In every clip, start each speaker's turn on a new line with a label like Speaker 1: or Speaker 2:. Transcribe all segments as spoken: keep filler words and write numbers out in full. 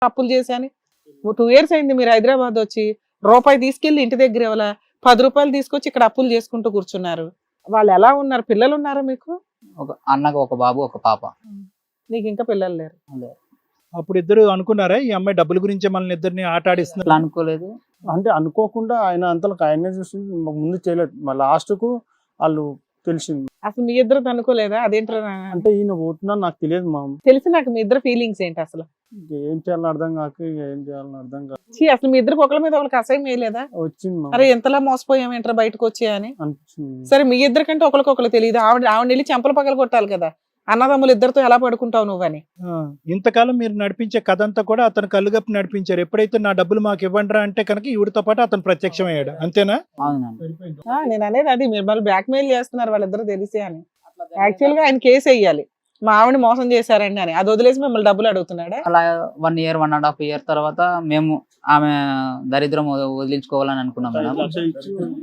Speaker 1: అప్పులు చేశాను. Two years అయింది మీరు హైదరాబాద్ వచ్చి, రూపాయి తీసుకెళ్లి ఇంటి దగ్గర ఇవ్వాల, పది రూపాయలు తీసుకొచ్చి ఇక్కడ అప్పులు చేసుకుంటూ కూర్చున్నారు. వాళ్ళు ఎలా ఉన్నారు? పిల్లలు ఉన్నారా మీకు?
Speaker 2: ఒక అన్నకు ఒక బాబు ఒక పాప.
Speaker 1: నీకు ఇంకా పిల్లలు లేరు?
Speaker 3: అప్పుడు ఇద్దరు అనుకున్నారా ఈ అమ్మాయి డబ్బుల గురించే మనల్ని ఇద్దరిని ఆట
Speaker 2: అట్లా
Speaker 3: ఆడిస్తున్నారు?
Speaker 2: అనుకోలేదు.
Speaker 4: అంటే అనుకోకుండా ఆయన అంతలకు ఆయనే చూసి ముందు చేయలేదు, మా లాస్ట్ కు వాళ్ళు తెలిసింది.
Speaker 1: అసలు మీ ఇద్దరు అనుకోలేదా? అదేంటారా
Speaker 4: అంటే ఈయన పోతున్నా నాకు తెలియదు మా
Speaker 1: తెలిసి నాకు మీ ఇద్దరు ఫీలింగ్స్ ఏంటి అసలు?
Speaker 4: ఏం చేయాలని అర్థం కాక ఇక ఏం చేయాలని అర్థం కాక
Speaker 1: ఛీ, అసలు మీ ఇద్దరికి ఒకళ్ళ మీద ఒకరికి అసహ్యం వేయలేదా?
Speaker 4: వచ్చింది మా
Speaker 1: అరే ఎంతలా మోసపోయాం ఏంట్రా బయటకు వచ్చి అని
Speaker 4: అనిపించింది.
Speaker 1: సరే మీ ఇద్దరికంటే ఒకరికొకరు తెలియదు. ఆవిడ ఆవిడ వెళ్ళి చెంపలు పగల కొట్టాలి కదా, అన్నదమ్ములు ఇద్దరితో ఎలా పడుకుంటావు నువ్వని.
Speaker 3: ఆ, ఇంతకాలం మీరు నడిపించే కథ అంతా కూడా అతను కళ్ళుగప్పి నడిపించారు. ఎప్పుడైతే నా డబ్బులు మాకు ఇవ్వండిరా అంటే కనుక ఈవిడతో పాటు అతను ప్రత్యక్షమయ్యాడు, అంతేనా?
Speaker 2: అవునండి.
Speaker 1: ఆ, నేను అనేది అది, మీరు మళ్ళీ బ్లాక్ మెయిల్ చేస్తున్నారు వాళ్ళిద్దరు తెలిసి అని. యాక్చువల్ గా ఆయన కేసు వేయాలి, మా ఆవిడ మోసం చేశారండి అని. అది వదిలేసి మిమ్మల్ని డబ్బులు అడుగుతున్నాడా?
Speaker 2: అలా one year one and half year తర్వాత మేము ఆమె దరిద్రం వద- వదిలించుకోవాలని అనుకున్నాం మేడం.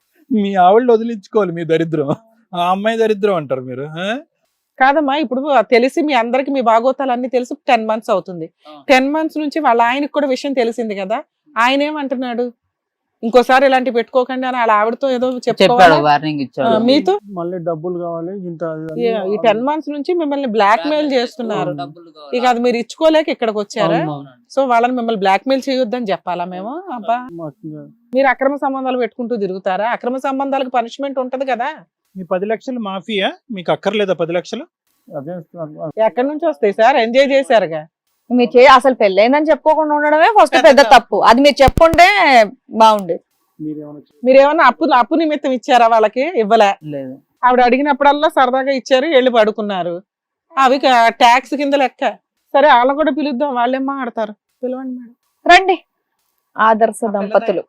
Speaker 3: మీ ఆవిడ వదిలించుకోవాలి మీ దరిద్రం, ఆ అమ్మాయి దరిద్రం అంటారు మీరు. ఆ?
Speaker 1: కాదమ్మా, ఇప్పుడు తెలిసి మీ అందరికి మీ బాగోతాలు అన్ని తెలిసి టెన్ మంత్స్ అవుతుంది. టెన్ మంత్స్ నుంచి వాళ్ళ ఆయనకు కూడా విషయం తెలిసింది కదా, ఆయన ఏమంటున్నాడు? ఇంకోసారి ఇలాంటి పెట్టుకోకండి అని వాళ్ళ ఆవిడతో ఏదో
Speaker 2: చెప్పాడు,
Speaker 1: చెప్పుకోవాలి.
Speaker 2: వార్నింగ్ ఇచ్చాడు.
Speaker 1: మీతో
Speaker 4: మళ్ళీ డబ్బులు కావాలి ఇంత అది అని
Speaker 1: ఈ- ఈ టెన్ మంత్స్ నుంచి మిమ్మల్ని బ్లాక్ మెయిల్ చేస్తున్నారు.
Speaker 2: డబ్బులు కావాలి.
Speaker 1: ఇక అది మీరు ఇచ్చుకోలేక ఇక్కడికి వచ్చారా?
Speaker 2: అవునండి.
Speaker 1: సో వాళ్ళని మిమ్మల్ని బ్లాక్ మెయిల్ చేయొద్దని చెప్పాలా మేము? అబ్బా,
Speaker 4: మాకు ఇంకా
Speaker 1: మీరు అక్రమ సంబంధాలు పెట్టుకుంటూ తిరుగుతారా? అక్రమ సంబంధాలకు పనిష్మెంట్ ఉంటది కదా.
Speaker 3: మీ పది లక్షలు మాఫియా మీకు అక్కర్లేదా? పది లక్షలు
Speaker 4: అదే
Speaker 1: ఎక్కడి నుంచి వస్తాయి సార్? ఎంజాయ్ చేశారుగా.
Speaker 5: మీరు చే అసలు పెళ్ళైందని చెప్పుకోకుండా ఉండడమే ఫస్ట్ పెద్ద తప్పు. అది మీరు చెప్పుంటే బాగుండేది.
Speaker 4: మీరేమన్నా
Speaker 1: మీరేమన్నా అప్పు అప్పు నిమిత్తం ఇచ్చారా? వాళ్ళకి ఇవ్వలే.
Speaker 2: లేదు.
Speaker 1: ఆవిడ అడిగినప్పుడల్లా సరదాగా ఇచ్చారు, వెళ్ళి పడుకున్నారు. అవి ట్యాక్స్ కింద లెక్క. సరే వాళ్ళని కూడా పిలుద్దాం, వాళ్ళేం మాట్లాడతారు. పిలవండి మేడం.
Speaker 5: రండి ఆదర్శ దంపతులు.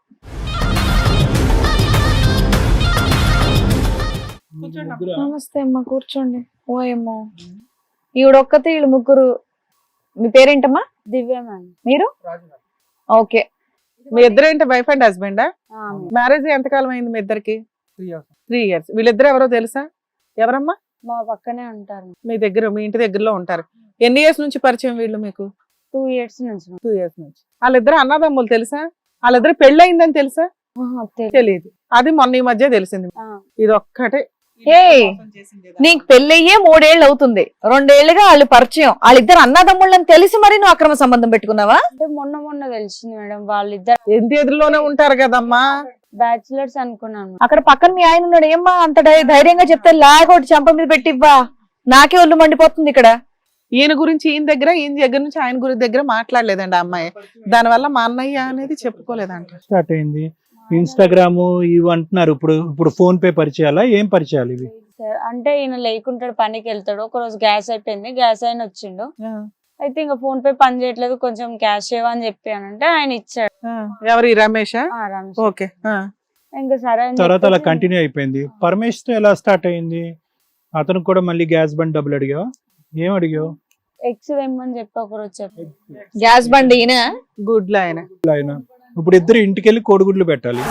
Speaker 5: నమస్తే అమ్మా, కూర్చోండి. ఓ ఏమో ఈవిడొక్కతే, వీళ్ళు ముగ్గురు. మీ పేరేంటమ్మా?
Speaker 6: దివ్య మ్యామ్.
Speaker 5: మీరు? ఓకే.
Speaker 1: మీ ఇద్దరు ఏంటి వైఫ్ అండ్ హస్బెండా? మ్యారేజ్ ఎంతకాలం అయింది మీ ఇద్దరికి? Three years. వీళ్ళిద్దరు ఎవరో తెలుసా? ఎవరమ్మా?
Speaker 6: మా పక్కనే ఉంటారు.
Speaker 1: మీ దగ్గర, మీ ఇంటి దగ్గరలో ఉంటారు. ఎన్ని ఇయర్స్ నుంచి పరిచయం వీళ్ళు మీకు?
Speaker 6: టూ ఇయర్స్ నుంచి.
Speaker 1: టూ ఇయర్స్ నుంచి. వాళ్ళిద్దరు అన్నదమ్ములు తెలుసా? వాళ్ళిద్దరు పెళ్ళయిందని తెలుసా?
Speaker 6: ఆహా, తెలీదు.
Speaker 1: తెలియదు. అది మొన్న ఈ మధ్య తెలిసింది.
Speaker 6: ఆ.
Speaker 1: ఇది ఒక్కటే.
Speaker 5: ఏ నీకు పెళ్ళయ్యే మూడేళ్ళు అవుతుంది, రెండేళ్లుగా వాళ్ళు పరిచయం. వాళ్ళిద్దరు అన్నదమ్ముళ్ళని తెలిసి మరి నువ్వు అక్రమ సంబంధం పెట్టుకున్నావా?
Speaker 6: అంటే మొన్న మొన్న తెలిసింది మేడం. వాళ్ళిద్దరు
Speaker 1: ఇంటి ఎదురులోనే ఉంటారు కదమ్మా.
Speaker 6: బ్యాచులర్స్ అనుకున్నాను.
Speaker 5: అక్కడ పక్కన మీ ఆయన ఉన్నాడు. ఏమ్మా అంత ధై- ధైర్యంగా చెప్తే లాగొట్టి చెంప మీద పెట్టివ్వా. నాకే ఒళ్ళు మండిపోతుంది ఇక్కడ.
Speaker 1: ఈయన గురించి ఈయన దగ్గర, ఈయన దగ్గర నుంచి ఆయన గురించి దగ్గర మాట్లాడలేదండి ఆ అమ్మాయి. దానివల్ల మా అన్నయ్య అనేది చెప్పుకోలేదంట.
Speaker 3: స్టార్ట్ అయింది. ఇన్స్టాగ్రామ్ ఇవి అంటున్నారు. ఇప్పుడు ఇప్పుడు ఫోన్ పే పరిచయాలా, ఏం పరిచయాలు ఇవి?
Speaker 6: సార్ అంటే ఈయన లేకుంటాడు, పనికి వెళ్తాడు. ఒక రోజు గ్యాస్ అయిపోయింది, గ్యాస్ అయిన వచ్చిండు. అయితే ఇంకా ఫోన్ పే పని చేయట్లేదు, కొంచెం క్యాష్ ఇవ్వని చెప్పానంటే ఆయన ఇచ్చాడు.
Speaker 1: ఆ, ఎవరు ఈ రమేషా?
Speaker 6: ఆ, రమేష్.
Speaker 1: ఓకే. ఆ.
Speaker 6: ఇంకా సరే అని
Speaker 3: తర్వాత అలా
Speaker 6: చెప్పేసి
Speaker 3: కంటిన్యూ అయిపోయింది. పరమేష్ తో ఎలా స్టార్ట్ అయింది? అతను కూడా మళ్ళీ గ్యాస్ బండ్ డబ్బులు అడిగావా? ఏం అడిగావు?
Speaker 6: ఎక్స్ తెమ్మని చెప్పి ఒక రోజు చెప్పి
Speaker 5: గ్యాస్ బండి ఈయన.
Speaker 1: గుడ్లు ఆయన.
Speaker 3: ఆయన ఇప్పుడు ఇద్దరు ఇంటికి వెళ్ళి కోడిగుడ్లు పెట్టాలి.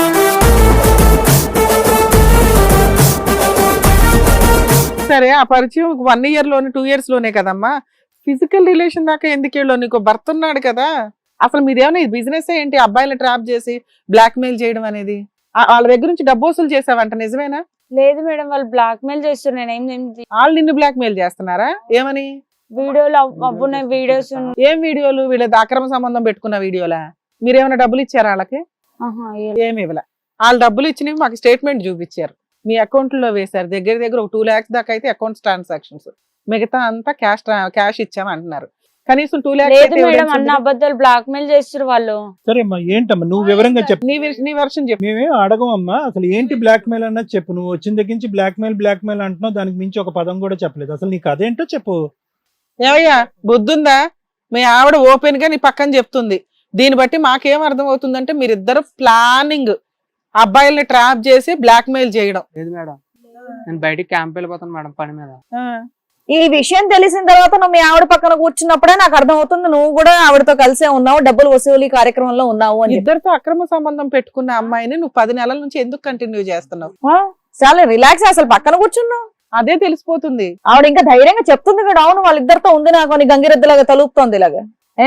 Speaker 1: సరే, ఆ పరిచయం వన్ ఇయర్ లోనే, టూ ఇయర్స్ లోనే కదమ్మా. ఫిజికల్ రిలేషన్ దాకా ఎందుకు వెళ్ళు? నీకు భర్త ఉన్నాడు కదా. అసలు మీదేమైనా బిజినెస్ ఏంటి? అబ్బాయిలు ట్రాప్ చేసి బ్లాక్ మెయిల్ చేయడం అనేది. ఆ- వాళ్ళ దగ్గర నుంచి డబ్బు వసూలు చేసావంట, నిజమేనా?
Speaker 6: లేదు మేడం, వాళ్ళు బ్లాక్ మెయిల్ చేస్తారు. నేను ఏం ఏం
Speaker 1: వాళ్ళు నిన్ను బ్లాక్ మెయిల్ చేస్తున్నారా? ఏమని?
Speaker 6: వీడియోలు అవ్- అవ్వున్నాయి, వీడియోస్ ఉన్నాయి.
Speaker 1: ఏం వీడియోలు? వీళ్ళ అక్రమ సంబంధం పెట్టుకున్న వీడియోలా? మీరేమైనా డబ్బులు ఇచ్చారా వాళ్ళకి?
Speaker 6: ఆహా, ఏ-
Speaker 1: ఏమి ఇవ్వలే. వాళ్ళు డబ్బులు ఇచ్చినవి మాకు స్టేట్మెంట్ చూపించారు, మీ అకౌంట్ లో వేశారు. దగ్గర దగ్గర ఒక టూ లాక్స్ దాకా అయితే అకౌంట్ ట్రాన్సాక్షన్స్, మిగతా అంతా క్యాష్ క్యాష్ ఇచ్చాము అంటున్నారు. కనీసం టూ
Speaker 6: లేదు మేడం, అన్న
Speaker 1: లాక్స్.
Speaker 6: అబద్ధాలు బ్లాక్ మెయిల్ చేస్తారు వాళ్ళు.
Speaker 3: సరే అమ్మా, ఏంటమ్మా నువ్వు వివరంగా చెప్పు.
Speaker 1: నీ విష- నీ వర్షం చెప్పు.
Speaker 3: మేమేం అడగమమ్మా. అసలు ఏంటి బ్లాక్ మెయిల్ అన్నది చెప్పు. నువ్వు వచ్చిన దగ్గర నుంచి బ్లాక్ మెయిల్ బ్లాక్ మెయిల్ అంటున్నావు, దానికి మించి ఒక పదం కూడా చెప్పలేదు. అసలు నీకు అదేంటో చెప్పు.
Speaker 1: ఏమయ్యా, బుద్ధుందా? మీ ఆవిడ ఓపెన్ గా నీ పక్కన చెప్తుంది. దీన్ని బట్టి మాకేం అర్థం అవుతుందంటే మీరిద్దరు ప్లానింగ్ అబ్బాయిల్ని ట్రాప్ చేసి బ్లాక్ మెయిల్ చేయడం.
Speaker 7: లేదు మేడం, నేను బయటికి క్యాంప్ వెళ్ళిపోతాను మేడం పని మీద.
Speaker 1: ఆ.
Speaker 5: ఈ విషయం తెలిసిన తర్వాత నువ్వు మీ ఆవిడ పక్కన కూర్చున్నప్పుడే నాకు అర్థం అవుతుంది నువ్వు కూడా ఆవిడతో కలిసే ఉన్నావు, డబ్బులు వసూలు కార్యక్రమంలో ఉన్నావు అని చెప్పి.
Speaker 1: ఇద్దరితో అక్రమ సంబంధం పెట్టుకున్న అమ్మాయిని నువ్వు పది నెలల నుంచి ఎందుకు కంటిన్యూ చేస్తున్నావు?
Speaker 5: ఆ, చాలా రిలాక్స్. అసలు పక్కన కూర్చున్నావు,
Speaker 1: అదే తెలిసిపోతుంది.
Speaker 5: ఆవిడ ఇంకా ధైర్యంగా చెప్తుంది కూడా, అవును వాళ్ళిద్దరితో ఉంది నాకు అని గంగిరెద్దులాగా తలుపుతోంది ఇలాగా. ఏ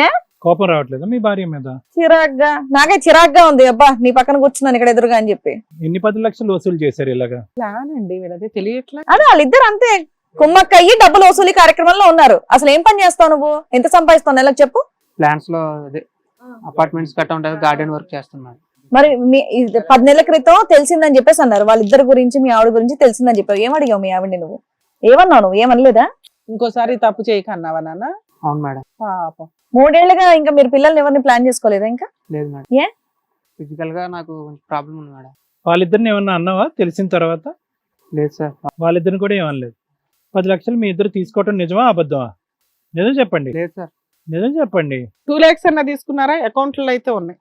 Speaker 3: కోపం రావట్లేదా మీ భార్య మీద?
Speaker 5: చిరాగ్గా నాకే చిరాగ్గా ఉంది. అబ్బా నీ పక్కన కూర్చున్నాను ఇక్కడ ఎదురుగా అని చెప్పి.
Speaker 3: ఎన్ని పది లక్షలు వసూలు చేశారు ఇలాగా?
Speaker 1: ప్లాన్ అండి వీళ్ళది తెలియట్లా.
Speaker 5: అదే వాళ్ళిద్దరు అంతే కుమ్మక్క అయ్యి డబ్బులు వసూలు కార్యక్రమంలో ఉన్నారు. అసలు ఏం పని చేస్తావు నువ్వు? ఎంత సంపాదిస్తావు నెలకు చెప్పు?
Speaker 7: ప్లాన్స్ లో అదే అపార్ట్మెంట్స్ కట్ట ఉంటుంది, గార్డెన్ వర్క్ చేస్తున్నాడు.
Speaker 5: మరి మీ ఇది పది నెలల క్రితం తెలిసిందని చెప్పేసి అన్నారు వాళ్ళిద్దరి గురించి, మీ ఆవిడ గురించి తెలిసిందని చెప్పావు. ఏం అడిగావు మీ ఆవిడని నువ్వు? ఏమన్నావు నువ్వు? ఏమనలేదా?
Speaker 1: ఇంకోసారి తప్పు చేయకన్నావా నాన్న?
Speaker 7: అవును మేడం.
Speaker 1: పాపం.
Speaker 5: మూడేళ్లుగా ఇంకా మీరు పిల్లల్ని ఎవరిని ప్లాన్ చేసుకోలేదా ఇంకా?
Speaker 7: లేదు మేడం.
Speaker 5: ఏ?
Speaker 7: ఫిజికల్ గా నాకు ప్రాబ్లం ఉంది మేడం.
Speaker 3: వాళ్ళిద్దరిని ఏమన్నా అన్నావా తెలిసిన తర్వాత?
Speaker 7: లేదు సార్.
Speaker 3: వాళ్ళిద్దరిని కూడా ఏమనలేదు. పది లక్షలు మీ ఇద్దరు తీసుకోవటం నిజమా అబద్ధమా? నిజం చెప్పండి.
Speaker 7: లేదు సార్.
Speaker 3: నిజం చెప్పండి.
Speaker 1: టూ లాక్స్ అన్న తీసుకున్నారా? అకౌంట్ లో అయితే ఉన్నాయి.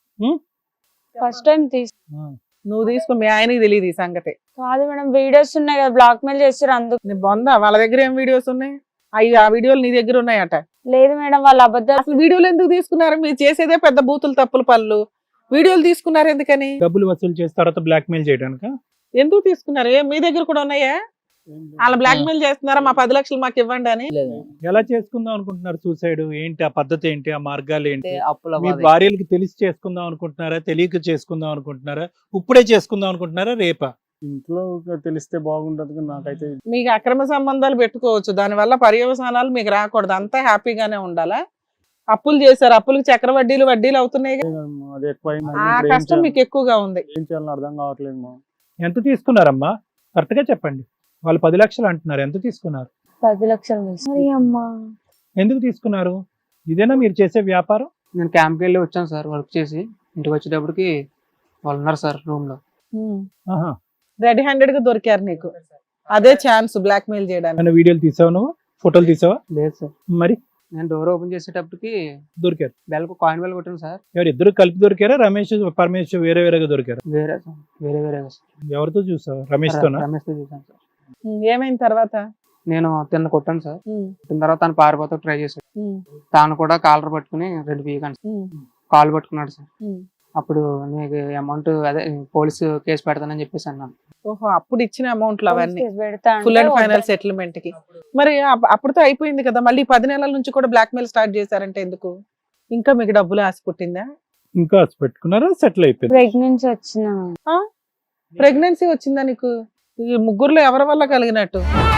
Speaker 6: ఫస్ట్ టైం తీసు
Speaker 1: నువ్వు తీసుకుని మీ ఆయనకి తెలియదు ఈ సంగతి.
Speaker 6: కాదు మేడం, వీడియోస్ ఉన్నాయి కదా, బ్లాక్ మెయిల్ చేస్తారు అందుకు.
Speaker 1: నీ బొందా వాళ్ళ దగ్గర ఏం వీడియోస్ ఉన్నాయి? అవి ఆ వీడియోలు నీ దగ్గర ఉన్నాయట.
Speaker 6: లేదు మేడం, వాళ్ళ అబద్ధాలు.
Speaker 1: అసలు వీడియోలు ఎందుకు తీసుకున్నారు? మీరు చేసేదే పెద్ద బూతులు తప్పులు పనులు. వీడియోలు తీసుకున్నారు ఎందుకని?
Speaker 3: డబ్బులు వసూలు చేసి తర్వాత బ్లాక్ మెయిల్ చేయడానికి.
Speaker 1: ఎందుకు తీసుకున్నారు? ఏ మీ దగ్గర కూడా ఉన్నాయా? వాళ్ళ బ్లాక్ మెయిల్ చేస్తున్నారా మా పది లక్షలు మాకు ఇవ్వండి అని?
Speaker 2: లేదు.
Speaker 3: ఎలా చేసుకుందాం అనుకుంటున్నారు సూసైడ్? ఏంటి ఆ పద్ధతి ఏంటి? ఆ మార్గాలు ఏంటి?
Speaker 2: అంటే అప్పుల
Speaker 3: మీ
Speaker 2: బాధ.
Speaker 3: భార్యలకి తెలిసి చేసుకుందాం అనుకుంటున్నారా? తెలియక చేసుకుందాం అనుకుంటున్నారా? ఇప్పుడే చేసుకుందాం అనుకుంటున్నారా? రేపా?
Speaker 4: ఇంట్లో తెలిస్తే బాగుంటది కానీ నాకైతే
Speaker 1: మీకు అక్రమ సంబంధాలు పెట్టుకోవచ్చు, దానివల్ల పర్యవసానాలు మీకు రాకూడదు. అంతా హ్యాపీగానే ఉండాలా? అప్పులు చేశారు, అప్పులకు చక్ర వడ్డీలు వడ్డీలు అవుతున్నాయి.
Speaker 4: అది ఎక్కువ
Speaker 1: ఆ కష్టం మీకు ఎక్కువగా ఉంది.
Speaker 4: ఏం చేయాలని అర్థం కావట్లేదు మా.
Speaker 3: ఎంత తీసుకున్నారమ్మా? కరెక్ట్ గా చెప్పండి. వాళ్ళు పది లక్షలు అంటున్నారు, ఎంత తీసుకున్నారు?
Speaker 6: పది లక్షలు
Speaker 5: అరే అమ్మా.
Speaker 3: ఎందుకు తీసుకున్నారు? ఇదేనా మీరు చేసే వ్యాపారం?
Speaker 7: నేను క్యాంప్కి వెళ్ళి వచ్చాను సార్, వర్క్ చేసి ఇంటికి వచ్చేటప్పటికి వాళ్ళు ఉన్నారు సార్ రూమ్ లో.
Speaker 3: ఆహా.
Speaker 1: రెడీ హ్యాండెడ్ గా దొరికారు నీకు. అదే ఛాన్స్ బ్లాక్ మెయిల్ చేయడానికి.
Speaker 3: ఏమైనా వీడియోలు తీసావు నువ్వు? ఫోటోలు తీసావా?
Speaker 7: లేదు సార్.
Speaker 3: మరి
Speaker 7: నేను డోర్ ఓపెన్ చేసేటప్పటికి
Speaker 3: దొరికారు.
Speaker 7: బెల్కు కాయిన్ బెల్ కొట్టాను సార్.
Speaker 3: ఎవరు ఇద్దరు కలిపి దొరికారా? రమేష్ పరమేష్ వేరే వేరేగా దొరికారు?
Speaker 7: వేరే సార్, వేరే వేరేగా సార్.
Speaker 3: ఎవరితో చూసావు? రమేష్ తోనా?
Speaker 7: రమేష్ తో చూసాను సార్.
Speaker 1: ఉమ్, ఏమైంది తర్వాత?
Speaker 7: నేను తిన్న కొట్టాను సార్.
Speaker 1: ఉమ్,
Speaker 7: కొట్టిన తర్వాత తను పారిపోతా ట్రై చేశాడు.
Speaker 1: ఉమ్,
Speaker 7: తాను కూడా కాలర్ పట్టుకుని రెండు పీకాను సార్.
Speaker 1: ఉమ్,
Speaker 7: కాల్ పట్టుకున్నాడు సార్.
Speaker 1: ఉమ్.
Speaker 7: అప్పుడు నీకు అమౌంట్ అదే పోలీసు కేసు పెడతానని చెప్పేసి అన్నాను.
Speaker 1: ఓహో, అప్పుడు ఇచ్చిన అమౌంట్లు అవన్నీ
Speaker 6: పెడతా
Speaker 1: ఫుల్ అండ్
Speaker 6: అంటే
Speaker 1: ఫైనల్ సెటిల్మెంట్ కి. మరి అప్- అప్పుడుతో అయిపోయింది కదా, మళ్ళీ పది నెలల నుంచి కూడా బ్లాక్ మెయిల్ స్టార్ట్ చేశారంటే ఎందుకు? ఇంకా మీకు డబ్బులు ఆశ పుట్టిందా?
Speaker 3: ఇంకా పెట్టుకున్నారా? సెటిల్ అయిపోయింది.
Speaker 6: ప్రెగ్నెన్సీ వచ్చిన
Speaker 1: ప్రెగ్నెన్సీ వచ్చిందా నీకు? ఈ ముగ్గురులో ఎవరి వల్ల కలిగినట్టు?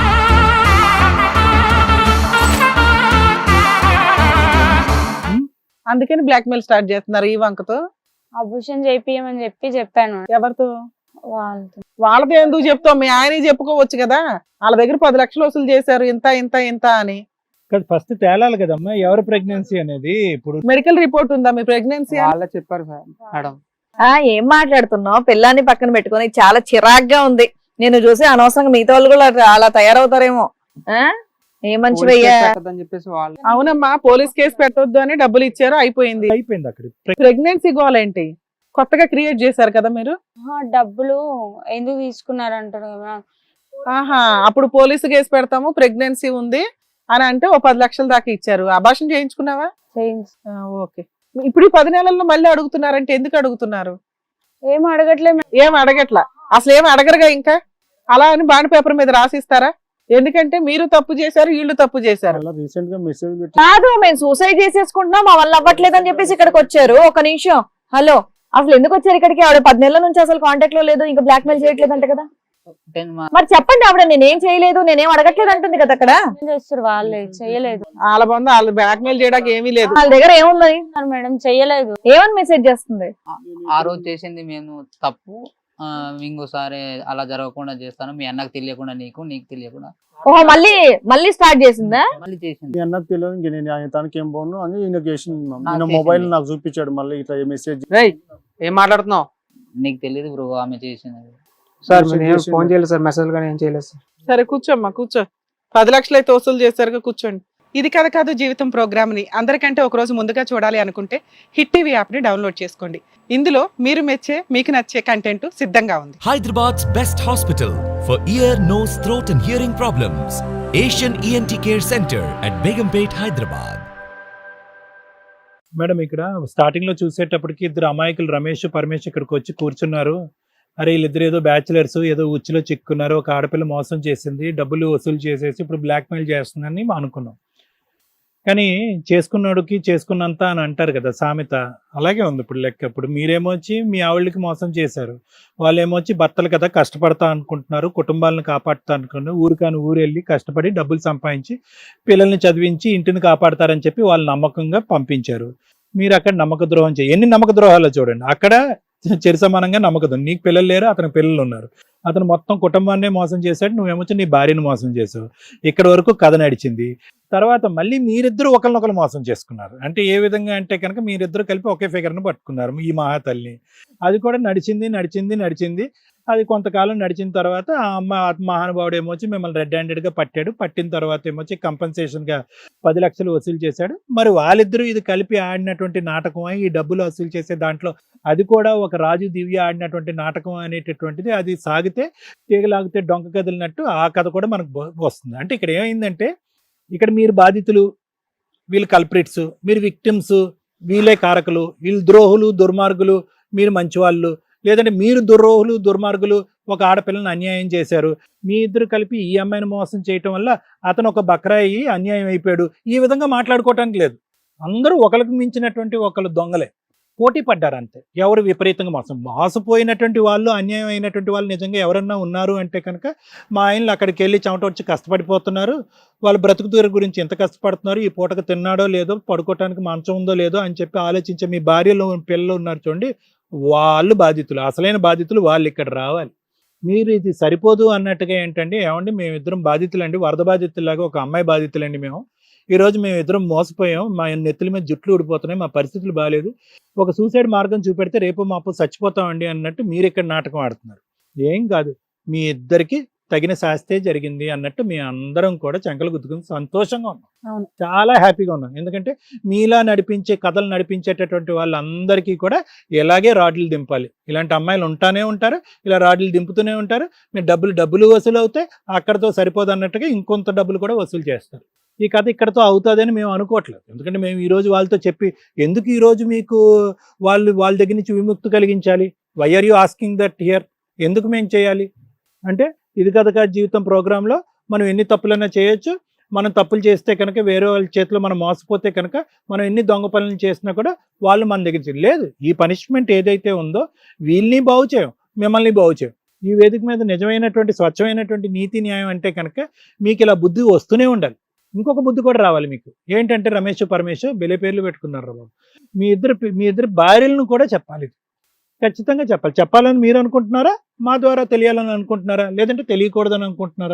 Speaker 1: అందుకని బ్లాక్ మెయిల్ స్టార్ట్ చేస్తున్నారు ఈ వంకతో.
Speaker 6: అబూషన్ చేపియమని చెప్పి చెప్పాను
Speaker 1: ఎవరితో?
Speaker 6: వాళ్ళతో.
Speaker 1: వాళ్ళతో ఎందుకు చెప్తావు? మీ ఆయన చెప్పుకోవచ్చు కదా, వాళ్ళ దగ్గర పది లక్షలు వసూలు చేశారు ఇంత ఇంత ఇంత అని.
Speaker 3: ఫస్ట్ తేలాలి కదమ్మా ఎవరు ప్రెగ్నెన్సీ అనేది. ఇప్పుడు
Speaker 1: మెడికల్ రిపోర్ట్ ఉందా మీ ప్రెగ్నెన్సీ?
Speaker 7: వాళ్ళే చెప్పారు సార్ మేడం.
Speaker 5: ఆ ఏం మాట్లాడుతున్నావు? పిల్లాన్ని పక్కన పెట్టుకొని చాలా చిరాగ్గా ఉంది. నేను చూసి అనవసరంగా మిగతా వాళ్ళు కూడా అట్లా- అలా తయారవుతారేమో. ఆ ఏ మంచి
Speaker 7: పోలీస్
Speaker 5: భయ్యా.
Speaker 7: కేసు పెట్టొద్దని చెప్పేసి వాళ్ళు
Speaker 1: అవునమ్మా, పోలీస్ కేసు పెట్టొద్దు అని డబ్బులు ఇచ్చారు, అయిపోయింది.
Speaker 3: అయిపోయింది అక్కడ.
Speaker 1: ప్రెగ్నెన్సీ గోల్ ఏంటి? కొత్తగా క్రియేట్ చేశారు కదా మీరు.
Speaker 6: ఆహా, డబ్బులు ఎందుకు తీసుకున్నారు అంటారు కదా.
Speaker 1: ఆహా, అప్పుడు పోలీసు కేసు పెడతాము ప్రెగ్నెన్సీ ఉంది అని అంటే ఓ పది లక్షల దాకా ఇచ్చారు. అబార్షన్ చేయించుకున్నావా?
Speaker 6: చేయించు.
Speaker 1: ఆ, ఓకే. ఇప్పుడు ఈ పది నెలల్లో మళ్ళీ అడుగుతున్నారంటే ఎందుకు అడుగుతున్నారు?
Speaker 6: ఏం అడగట్లేదు మేడం.
Speaker 1: ఏం అడగట్లా, అసలు ఏం అడగరుగా ఇంకా. అలా అని బాండ్ పేపర్ మీద రాసిస్తారా? ఎందుకంటే మీరు తప్పు చేశారు, వీళ్ళు తప్పు చేశారు.
Speaker 4: అలా రీసెంట్ గా మెసేజ్ పెట్టి
Speaker 5: కాదు మేము సూసైడ్ చేసేసుకుంటున్నాం మా వల్ల అవ్వట్లేదు అని చెప్పేసి ఇక్కడికి వచ్చారు. ఒక నిమిషం, హలో, అసలు ఎందుకు వచ్చారు ఇక్కడికి? ఆవిడ పది నెలల నుంచి అసలు కాంటాక్ట్ లో లేదు, ఇంకా బ్లాక్ మెయిల్ చేయట్లేదు అంట కదా.
Speaker 2: టెన్ మా-
Speaker 5: మరి చెప్పండి, ఆవిడ నేనేం చేయలేదు, నేనేం అడగట్లేదు అంటుంది కదా అక్కడ.
Speaker 6: ఏం చేస్తారు వాళ్ళే, చెయ్యలేదు
Speaker 1: వాళ్ళ బంధు వాళ్ళు బ్లాక్ మెయిల్ చేయడానికి ఏమీ లేదు.
Speaker 5: వాళ్ళ దగ్గర ఏముందని
Speaker 6: మేడం, చెయ్యలేదు.
Speaker 5: ఏమని మెసేజ్ చేస్తుంది?
Speaker 2: ఆ రోజు చేసింది మేము తప్పు, ఆ, ఇంకోసారి అలా జరగకుండా చేస్తాను, మీ అన్నకు తెలియకుండా, నీకు నీకు తెలియకుండా.
Speaker 5: ఓహో, మళ్ళీ మళ్ళీ స్టార్ట్ చేసిందా?
Speaker 2: మళ్ళీ చేసింది.
Speaker 4: మీ అన్నకు తెలియదు ఇంక నేను ఆయన తనకి ఏం బాగుండు అని ఈయన చేసింది మ్యామ్.
Speaker 2: నాకు
Speaker 4: ఈయన
Speaker 2: చేసింది.
Speaker 4: మొబైల్ నాకు చూపించాడు మళ్ళీ ఇట్లా మెసేజ్.
Speaker 7: రేయ్ ఏం మాట్లాడుతున్నావు
Speaker 2: నీకు తెలియదు బ్రో ఆమె చేసింది.
Speaker 7: సార్?
Speaker 4: మెసేజ్
Speaker 7: మీరు ఏం
Speaker 4: చేసిండు.
Speaker 7: ఫోన్ చేయలేదు సార్, మెసేజ్ కానీ ఏం చేయలేదు సార్.
Speaker 1: సరే కూర్చోమ్మా, కూర్చో. పది లక్షలు అయితే వసూలు చేశారుగా, కూర్చోండి. ఇది కథ కాదు జీవితం ప్రోగ్రామ్ ని అందరికంటే ఒక రోజు ముందుగా చూడాలి అనుకుంటే హిట్ టీవీ యాప్ ని డౌన్లోడ్ చేసుకోండి. ఇందులో మీరు మెచ్చే మీకు నచ్చే కంటెంట్ సిద్ధంగా ఉంది.
Speaker 8: Hyderabad's best hospital for ear, nose, throat and hearing problems. Asian E N T Care Center at Begumpet, Hyderabad.
Speaker 3: Madam ఇక్కడ స్టార్టింగ్ లో చూసేటప్పటికి ఇద్దరు అమాయకులు రమేష్ పరమేష్ ఇక్కడికి వచ్చి కూర్చున్నారు. అరే వీళ్ళిద్దరు ఏదో బ్యాచులర్స్ ఏదో ఉచ్చులో చిక్కున్నారు, ఒక ఆడపిల్ల మోసం చేసింది, డబ్బులు వసూలు చేసేసి ఇప్పుడు బ్లాక్ మెయిల్ చేస్తుందని అనుకున్నాం. కానీ చేసుకున్నాడుకి చేసుకున్నంత అని అంటారు కదా సామెత, అలాగే ఉంది ఇప్పుడు లెక్క. ఇప్పుడు మీరేమో వచ్చి మీ ఆవిళ్ళకి మోసం చేశారు, వాళ్ళేమో వచ్చి భర్తలు కదా కష్టపడతా అనుకుంటున్నారు, కుటుంబాలను కాపాడుతా అనుకుంటున్నారు, ఊరికాని ఊరు వెళ్ళి కష్టపడి డబ్బులు సంపాదించి పిల్లల్ని చదివించి ఇంటిని కాపాడతారని చెప్పి వాళ్ళు నమ్మకంగా పంపించారు. మీరు అక్కడ నమ్మక ద్రోహం చేయ ఎన్ని నమ్మక ద్రోహాలు చూడండి. అక్కడ చెరి సమానంగా నమ్మక ద్రోహం. నీకు పిల్లలు లేరు, అతనికి పిల్లలు ఉన్నారు. అతను మొత్తం కుటుంబాన్నే మోసం చేశాడు, నువ్వేమొచ్చి నీ భార్యను మోసం చేసావు. ఇక్కడ వరకు కథ నడిచింది. తర్వాత మళ్ళీ మీరిద్దరు ఒకరినొకరు మోసం చేసుకున్నారు. అంటే ఏ విధంగా అంటే కనుక మీరిద్దరు కలిపి ఒకే ఫిగర్ను పట్టుకున్నారు ఈ మహాతల్లిని. అది కూడా నడిచింది నడిచింది నడిచింది అది కొంతకాలం నడిచిన తర్వాత ఆ అమ్మ మహానుభావుడు ఏమొచ్చి మిమ్మల్ని రెడ్ హ్యాండెడ్గా పట్టాడు. పట్టిన తర్వాత ఏమొచ్చి కంపెన్సేషన్గా పది లక్షలు వసూలు చేశాడు. మరి వాళ్ళిద్దరూ ఇది కలిపి ఆడినటువంటి నాటకం, ఈ డబ్బులు వసూలు చేసే దాంట్లో అది కూడా ఒక రాజు దివ్య ఆడినటువంటి నాటకం అనేటటువంటిది. అది సాగితే తీగలాగితే డొంక కదిలినట్టు ఆ కథ కూడా మనకు వస్తుంది. అంటే ఇక్కడ ఏమైందంటే ఇక్కడ మీరు బాధితులు, వీళ్ళు కల్ప్రిట్స్, మీరు విక్టిమ్స్, వీళ్ళే కారకులు, వీళ్ళు ద్రోహులు దుర్మార్గులు, మీరు మంచివాళ్ళు. లేదంటే మీరు దుర్రోహులు దుర్మార్గులు, ఒక ఆడపిల్లని అన్యాయం చేశారు. మీ ఇద్దరు కలిపి ఈ అమ్మాయిని మోసం చేయటం వల్ల అతను ఒక బక్రాయి అన్యాయం అయిపోయాడు. ఈ విధంగా మాట్లాడుకోవటానికి లేదు. అందరూ ఒకరికి మించినటువంటి ఒకళ్ళు దొంగలే, పోటీ పడ్డారు అంతే. ఎవరు విపరీతంగా మోసం మోసపోయినటువంటి వాళ్ళు, అన్యాయం అయినటువంటి వాళ్ళు నిజంగా ఎవరన్నా ఉన్నారు అంటే కనుక మా ఆయనలు అక్కడికి వెళ్ళి చెమట వచ్చి కష్టపడిపోతున్నారు, వాళ్ళు బ్రతుకుతూరు గురించి ఎంత కష్టపడుతున్నారు, ఈ పూటకు తిన్నాడో లేదో, పడుకోవటానికి మంచం ఉందో లేదో అని చెప్పి ఆలోచించే మీ భార్యలు పిల్లలు ఉన్నారు చూడండి, వాళ్ళు బాధితులు, అసలైన బాధితులు వాళ్ళు ఇక్కడ రావాలి. మీరు ఇది సరిపోదు అన్నట్టుగా ఏంటండి, ఏమండి మేమిద్దరం బాధితులండి, వరద బాధితులాగా ఒక అమ్మాయి బాధితులండి మేము. ఈరోజు మేము ఇద్దరం మోసపోయాం, మా నెత్తుల మీద జుట్లు ఊడిపోతున్నాయి, మా పరిస్థితులు బాగాలేదు, ఒక సూసైడ్ మార్గం చూపెడితే రేపు మాపు చచ్చిపోతామండి అన్నట్టు మీరు ఇక్కడ నాటకం ఆడుతున్నారు. ఏం కాదు, మీ ఇద్దరికి తగిన శాస్తే జరిగింది అన్నట్టు మీ అందరం కూడా చెంకలు గుద్దుకుని సంతోషంగా ఉన్నాం.
Speaker 1: అవును.
Speaker 3: చాలా హ్యాపీగా ఉన్నాం. ఎందుకంటే మీలా నడిపించే కథలు నడిపించేటటువంటి వాళ్ళందరికీ కూడా ఇలాగే రాడ్లు దింపాలి. ఇలాంటి అమ్మాయిలు ఉంటానే ఉంటారు, ఇలా రాడ్లు దింపుతూనే ఉంటారు. మీరు డబ్బులు డబ్బులు వసూలు అవుతాయి, అక్కడతో సరిపోదు అన్నట్టుగా ఇంకొంత డబ్బులు కూడా వసూలు చేస్తారు. ఈ కథ ఇక్కడతో అవుతుందని మేము అనుకోవట్లేదు. ఎందుకంటే మేము ఈరోజు వాళ్ళతో చెప్పి ఎందుకు ఈరోజు మీకు వాళ్ళు వాళ్ళ దగ్గర నుంచి విముక్తి కలిగించాలి, why are you asking that here, ఎందుకు మేము చేయాలి అంటే ఇది కథ కాదు జీవితం ప్రోగ్రాంలో మనం ఎన్ని తప్పులైనా చేయొచ్చు. మనం తప్పులు చేస్తే కనుక వేరే వాళ్ళ చేతిలో మనం మోసపోతే కనుక మనం ఎన్ని దొంగ పనులు చేసినా కూడా వాళ్ళు మన దగ్గర లేదు. ఈ పనిష్మెంట్ ఏదైతే ఉందో వీళ్ళని బాగు చేయం, మిమ్మల్ని బాగు చేయం. ఈ వేదిక మీద నిజమైనటువంటి స్వచ్ఛమైనటువంటి నీతి న్యాయం అంటే కనుక మీకు ఇలా బుద్ధి వస్తూనే ఉండాలి. ఇంకొక బుద్ధి కూడా రావాలి మీకు. ఏంటంటే రమేష్ పరమేష్ బెలే పేర్లు పెట్టుకున్నారు బాబు. మీ ఇద్దరు మీ ఇద్దరు భార్యలను కూడా చెప్పాలి, ఖచ్చితంగా చెప్పాలి. చెప్పాలని మీరు అనుకుంటున్నారా, మా ద్వారా తెలియాలని అనుకుంటున్నారా, లేదంటే తెలియకూడదని అనుకుంటున్నారా?